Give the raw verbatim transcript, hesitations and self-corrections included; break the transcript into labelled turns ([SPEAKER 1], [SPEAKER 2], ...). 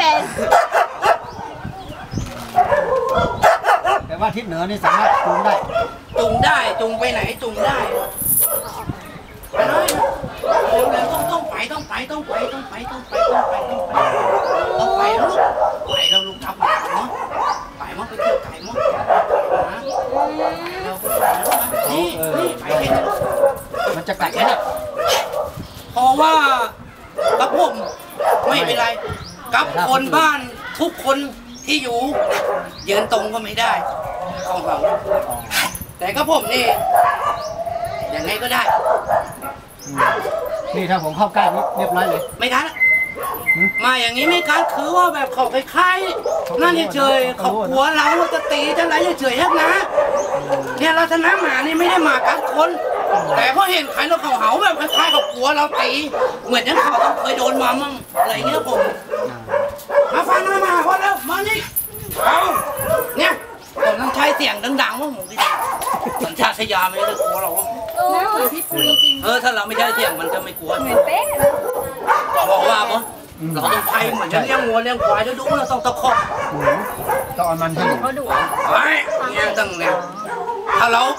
[SPEAKER 1] เป็น
[SPEAKER 2] แต่ว่าทิศเหนือนี่สามารถจูงได้
[SPEAKER 3] จูงได้จูงไปไหนจูงได้ไปเลยเร็วๆต้องต้องไปต้องไปต้องไปต้องไปต้องไปต้องไปต้องไปต้องไปแล้วลูกไปแล้วลูกทับหมาเนาะไปมั้งไปเที่ยวไก่มั้งนะเราไปนี่นี่ไปเห็น
[SPEAKER 2] มันจะกัดไหมเนี่ย
[SPEAKER 3] เพราะว่ากับผมไม่เป็นไรกับคนบ้านทุกคนที่อยู่ยืนตรงก็ไม่ได้ของเราแต่กับผมนี่ยังไงก็ได้
[SPEAKER 2] นี่ถ้าผมเข้าใกล้เรียบร้อยเลย
[SPEAKER 3] ไม่ทันมาอย่างนี้ไม่การคือว่าแบบเขาคล้ายๆนั่นเฉยๆเขาหัวเราจะตีจะอะไรเฉยๆนะเนี่ยเราชนะหมานี่ไม่ได้มากัดคนแต่พอเห็นใครเราเขาเห่าแบบคล้ายๆเขาหัวเราตีเหมือนอย่างเขาเคยโดนมามั่งอะไรเงี้ยผมมาฟังมามาพอแล้วมานี่เอาเนี่ยผมต้องใช้เสียงดังๆว่าผมคิดสัญชาตญาณไม่ได้กลัวเรา
[SPEAKER 1] เออเหมือนพี่ปุยจริง
[SPEAKER 3] เออถ้าเราไม่ใช้เสียงมันจะไม่กลัว
[SPEAKER 1] เหมือนเป๊ะ
[SPEAKER 3] บอกว่าปะเราต้องไทยเหมือนจะเลี้ยงวัวเลี้ยงควายจะดูเราต้องตะคอก
[SPEAKER 2] ต้องเอามันให้
[SPEAKER 1] เขาดุ
[SPEAKER 3] ไอ้เนี่ยตั้งเนี่ยถ้าเรา